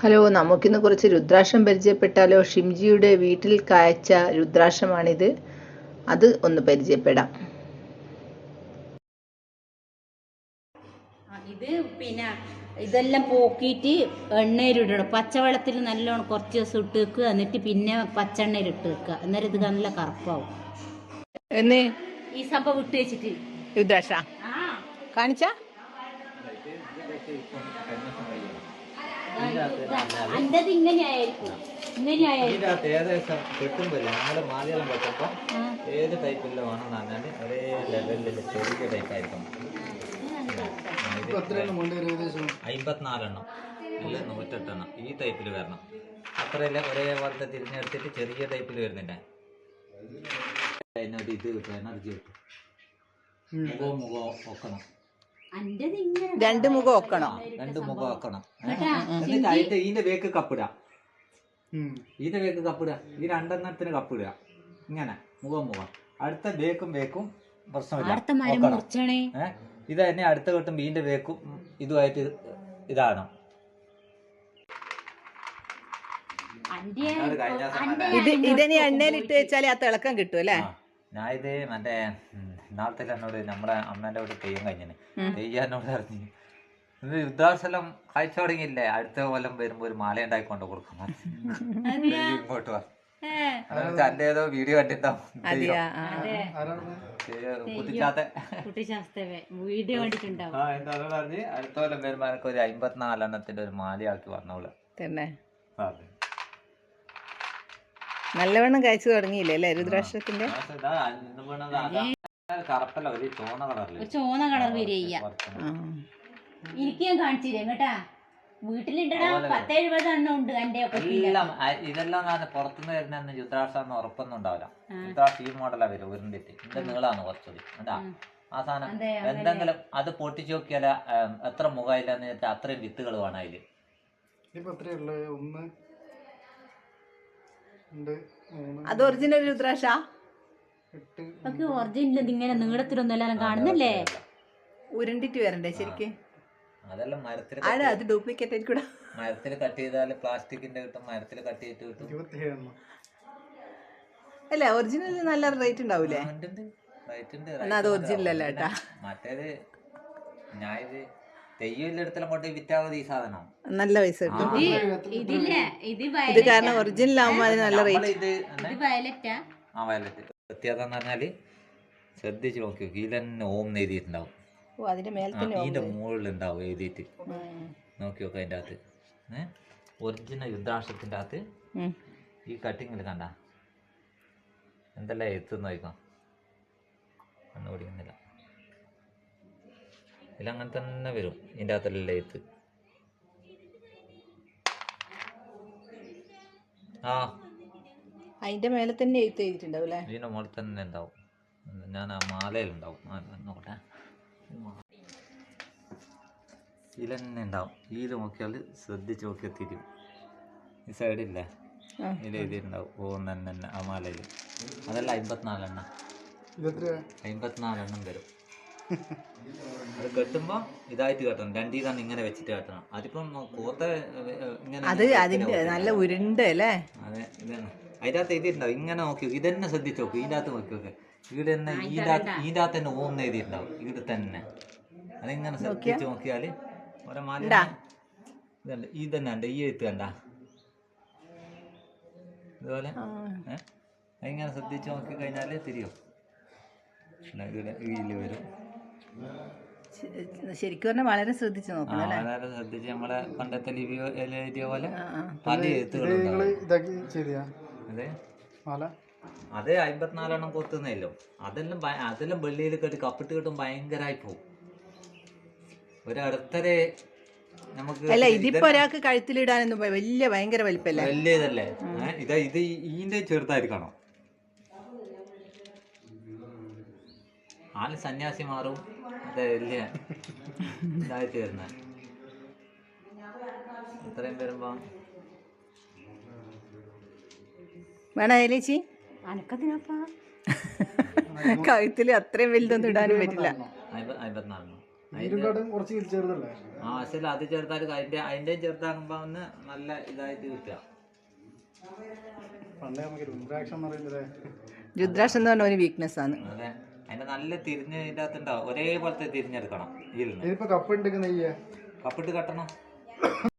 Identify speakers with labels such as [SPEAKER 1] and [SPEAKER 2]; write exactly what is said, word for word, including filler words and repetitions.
[SPEAKER 1] Hello, നമുക്കിന്ന് കുറച്ച് രുദ്രാക്ഷം പരിചയപ്പെട്ടാലോ? ഷിംജിയുടെ വീട്ടിൽ കായ്ച്ച രുദ്രാക്ഷമാണിത്. അത് ഒന്ന് പരിചയപ്പെടാം.
[SPEAKER 2] ഇത് പിന്നെ ഇതെല്ലാം പോക്കിയിട്ട് എണ്ണയിലിടണം. പച്ചവെള്ളത്തിൽ നല്ലോണം കുറച്ച് ദിവസം ഇട്ട് വെക്കുക, എന്നിട്ട് പിന്നെ പച്ചെണ്ണയിൽ ഇട്ട് വെക്കുക. അന്നേരം ഇത് നല്ല കറുപ്പാവും.
[SPEAKER 1] എന്ന്
[SPEAKER 2] ഈ സംഭവം ഇട്ട് വെച്ചിട്ട്
[SPEAKER 1] രുദ്രാക്ഷ കാണിച്ച
[SPEAKER 2] അൻ്റെത് ഇങ്ങനെയായിരിക്കും.
[SPEAKER 3] ഇതിനകത്ത് ഏകദേശം കിട്ടുമ്പോൾ നമ്മുടെ മാലയെല്ലാം വെച്ചപ്പോൾ ഏത് ടൈപ്പിൽ വേണമെന്ന് പറഞ്ഞാൽ ഒരേ ലെവലിൽ ചെറിയ ടൈപ്പായിരിക്കും. അമ്പത്തിനാലെണ്ണം അല്ല നൂറ്റെട്ടെണ്ണം ഈ ടൈപ്പിൽ വരണം. അത്രയല്ല ഒരേപോലത്തെ തിരിഞ്ഞെടുത്തിട്ട് ചെറിയ ടൈപ്പിൽ വരുന്നില്ല. അതിനൊരു ഇത് കിട്ടും, എനർജി കിട്ടും. മുഖവും മുഖവും ഒക്കണം,
[SPEAKER 1] രണ്ട് മുഖം ഒക്കണം,
[SPEAKER 3] രണ്ട് മുഖം ഒക്കണം. എന്നിട്ട് അതിന്റെ ഇതിന്റെ വേക്ക് കപ്പിടുക, ഇതിന്റെ വേക്ക് കപ്പിടുക, ഈ രണ്ടെണ്ണത്തിന് കപ്പിടുക. ഇങ്ങനെ മുഖം മുഖം അടുത്ത വേക്കും വേക്കും പ്രശ്നമില്ല. ഏഹ് ഇത് തന്നെ അടുത്ത കിട്ടും ഇതിന്റെ വേക്കും ഇതുമായിട്ട് ഇതാണ്.
[SPEAKER 1] ഇത് ഇതിനെ എണ്ണയിലിട്ട് വെച്ചാൽ ആ തിളക്കം കിട്ടും അല്ലേ?
[SPEAKER 3] ഞാൻ ഇത് മറ്റേ നാളത്തെ എന്നോട് നമ്മുടെ അമ്മേന്റെ അവിടെ തെയ്യം കഴിഞ്ഞിന് തെയ്യാനോട് അറിഞ്ഞു ഇത് യുദ്ധാസലം കാഴ്ച തുടങ്ങിയില്ലേ, അടുത്ത കൊല്ലം വരുമ്പോ ഒരു മാല ഉണ്ടാക്കി കൊണ്ട് കൊടുക്കണം ഇങ്ങോട്ട് വാ. തന്റെ ഏതോ വീഡിയോ കണ്ടിട്ടുണ്ടാവും, പറഞ്ഞ് അടുത്ത കൊല്ലം വരുമ്പോ എനിക്ക് ഒരു അമ്പത്തിനാലെണ്ണത്തിന്റെ ഒരു മാലയാക്കി വന്നോളൂ
[SPEAKER 1] തന്നെ. നല്ലവണ്ണം കഴിച്ചു തുടങ്ങിയില്ലേ അല്ലേ രുദ്രാക്ഷത്തിന്റെ?
[SPEAKER 3] കറുപ്പല്ല, ഒരു ചോന്ന കളറില്
[SPEAKER 2] ചോന്ന കളർ വരിക. എനിക്ക് ഞാൻ കാണിച്ചില്ലേ കേട്ടാ, വീട്ടിലിണ്ടടാ പത്തെഴുപത് എണ്ണം ഉണ്ട് എന്റെ.
[SPEAKER 3] എല്ലാം ഇതെല്ലാം പുറത്തുനിന്ന് വരുന്ന രുദ്രാക്ഷ ഉറപ്പൊന്നും ഉണ്ടാവില്ല. രുദ്രാക്ഷ ഈ മോഡലാ വരും, ഉരുണ്ടിട്ട് ഇതിന്റെ നീളാണ് കുറച്ചുകൂടി. എന്താ ആ സാധനം എന്തെങ്കിലും അത് പൊട്ടിച്ചു നോക്കിയാൽ എത്ര മുഖമില്ലെന്ന് വെച്ചാൽ അത്രയും വിത്തുകൾ വേണം അതില്.
[SPEAKER 1] അത് ഒറിജിനൽ രുദ്രാക്ഷ?
[SPEAKER 2] ഒറിജിനൽ ഇങ്ങനെ നീളത്തിലൊന്നും എല്ലാം കാണുന്നല്ലേ,
[SPEAKER 1] ഉരുണ്ടിട്ട് വരണ്ടേ ശരിക്ക്?
[SPEAKER 3] അതെല്ലാം മരത്തിൽ
[SPEAKER 1] അത് ഡ്യൂപ്ലിക്കേറ്റ് ആയിരിക്കും.
[SPEAKER 3] മരത്തിൽ കട്ട് ചെയ്താല് പ്ലാസ്റ്റിക്കിന്റെ കിട്ടും, മരത്തിൽ കട്ട് ചെയ്തിട്ട് കിട്ടും.
[SPEAKER 1] അല്ല ഒറിജിനൽ നല്ല റേറ്റ് ഉണ്ടാവൂലേ? അത് ഒറിജിനൽ അല്ല കേട്ടാ.
[SPEAKER 3] മറ്റേത് ഞാൻ ഇത് തെയ്യത്തിലും കൊണ്ട് വിറ്റാവത് ഈ സാധനം നല്ല
[SPEAKER 1] പൈസ കിട്ടും. ഇത് കാരണം ഒറിജിനൽ ആവുമ്പോ അതിന് നല്ല റേറ്റ്.
[SPEAKER 3] ആ വയലറ്റ് വ്യത്യാസം എന്ന് പറഞ്ഞാല് ശ്രദ്ധിച്ച് നോക്കി ഇതിൽ തന്നെ ഓം എഴുതിയിട്ടുണ്ടാവും. ഇതിന്റെ മുകളിൽ ഉണ്ടാവും എഴുതിയിട്ട് നോക്കി നോക്കുക. അതിൻ്റെ അകത്ത് ഏഹ് ഒറിജിനൽ രുദ്രാക്ഷത്തിന്റെ അകത്ത് ഈ കട്ടിങ്ങിൽ കണ്ട എന്തെല്ലാം എഴുത്തുന്ന് നോക്കാം, ഒന്നും ഓടിക്കുന്നില്ല. ഇതിലങ്ങനെ തന്നെ വരും, ഇതിൻ്റെ അകത്തെല്ലാം എഴുത്ത്. ആ
[SPEAKER 1] അതിന്റെ മേലെ തന്നെ എഴുത്ത് എഴുതിയിട്ടുണ്ടാവും അല്ലേ?
[SPEAKER 3] ഇതിന്റെ മുകളിൽ തന്നെ ഉണ്ടാവും. ഞാൻ ആ മാലയിലുണ്ടാവും, നോക്കട്ടെ. ഇതിൽ തന്നെ ഉണ്ടാവും. ഇതിൽ നോക്കിയാൽ ശ്രദ്ധിച്ച് നോക്കിയാൽ തിരിയും. ഈ സൈഡില്ലേ ഇതിൽ എഴുതിയിട്ടുണ്ടാവും ഓം തന്നെ ആ മാലയിൽ. അതെല്ലാം അമ്പത്തിനാലെണ്ണം അമ്പത്തിനാലെണ്ണം വരും. അത് കെട്ടുമ്പോ ഇതായിട്ട് കെട്ടണം, രണ്ടീതാണ് ഇങ്ങനെ വെച്ചിട്ട് കെട്ടണം. അതിപ്പം കോത്ത ഇങ്ങനെ
[SPEAKER 1] നല്ല ഉരുണ്ട് അല്ലേ?
[SPEAKER 3] അതെ ഇതാണ് അതിൻ്റെ അകത്ത് എഴുതിയിട്ടുണ്ടാവും. ഇങ്ങനെ നോക്കി ഇതന്നെ ശ്രദ്ധിച്ച് നോക്കും, ഇതിൻ്റെ അകത്ത് നോക്കി നോക്കെ ഇവിടെ തന്നെ ഇതിൻ്റെ ഇതിൻ്റെ അകത്ത് തന്നെ ഓം എഴുതിയിട്ടുണ്ടാവും ഇവിടെ തന്നെ. അതിങ്ങനെ ശ്രദ്ധിച്ച് നോക്കിയാൽ ഓരോ മാല ഇതുണ്ട്, ഈ തന്നെ ഉണ്ട് ഈ എഴുത്ത് കണ്ട ഇതുപോലെ. ഏഹ് അതിങ്ങനെ ശ്രദ്ധിച്ച് നോക്കി കഴിഞ്ഞാൽ തിരിയും. ഇതിൽ വരും.
[SPEAKER 1] ശരിക്കും പറഞ്ഞാൽ വളരെ ശ്രദ്ധിച്ച് നോക്കണം,
[SPEAKER 3] വളരെ ശ്രദ്ധിച്ച് നമ്മളെ പണ്ടത്തെ ലിപി എഴുതിയ പോലെ പല എഴുത്തുകളും. അതെ അതെ അമ്പത്തിനാലെണ്ണം കൊത്തുന്നല്ലോ. അതെല്ലാം അതെല്ലാം വെള്ളിയിൽ കെട്ടി കപ്പിട്ട് കിട്ടും, ഭയങ്കരമായി പോകും. ഒരടുത്തരെ നമുക്ക്
[SPEAKER 1] അല്ല ഇതിപ്പോ ഒരാൾക്ക് കഴുത്തിലിടാനൊന്നും വലിയ ഭയങ്കര വലിപ്പല്ലേ,
[SPEAKER 3] വലിയ ഇതല്ലേ. ഇതാ ഇത് ഇതിന്റെ ചെറുതായിരിക്കണം. ആള് സന്യാസി മാറും, അതെ വലിയ ഇതായിട്ട് വരുന്ന ഇത്രയും വരുമ്പോ
[SPEAKER 1] വേണ ചേച്ചി കഴുത്തില് അത്രയും വലുതൊന്നും ഇടാനും പറ്റില്ല.
[SPEAKER 3] അമ്പത്തിനാലെണ്ണം
[SPEAKER 4] ഇതിനെക്കാട്ടും കുറച്ച് ചെറുതല്ലേ?
[SPEAKER 3] ആ പക്ഷേ അത് ചെറുതായിട്ട് അതിന്റെ അതിന്റെയും ചെറുതാകുമ്പോ ഒന്ന് നല്ല ഇതായിട്ട് കിട്ടുക.
[SPEAKER 4] പണ്ടേ നമുക്ക് രുദ്രാക്ഷം എന്ന് പറയുന്നത്
[SPEAKER 1] രുദ്രാക്ഷം എന്ന് പറഞ്ഞ ഒരു വീക്ക്നെസ് ആണ്.
[SPEAKER 3] അതെ, അതിന്റെ നല്ല തിരിഞ്ഞ് ഇതിന്റെ അകത്ത് ഉണ്ടാവും, ഒരേപോലത്തെ തിരിഞ്ഞെടുക്കണം. ഇതിൽ
[SPEAKER 4] ഇതിപ്പോ കപ്പ് ഉണ്ടെങ്കിൽ നെയ്യേ
[SPEAKER 3] കപ്പിട്ട് കട്ടണം.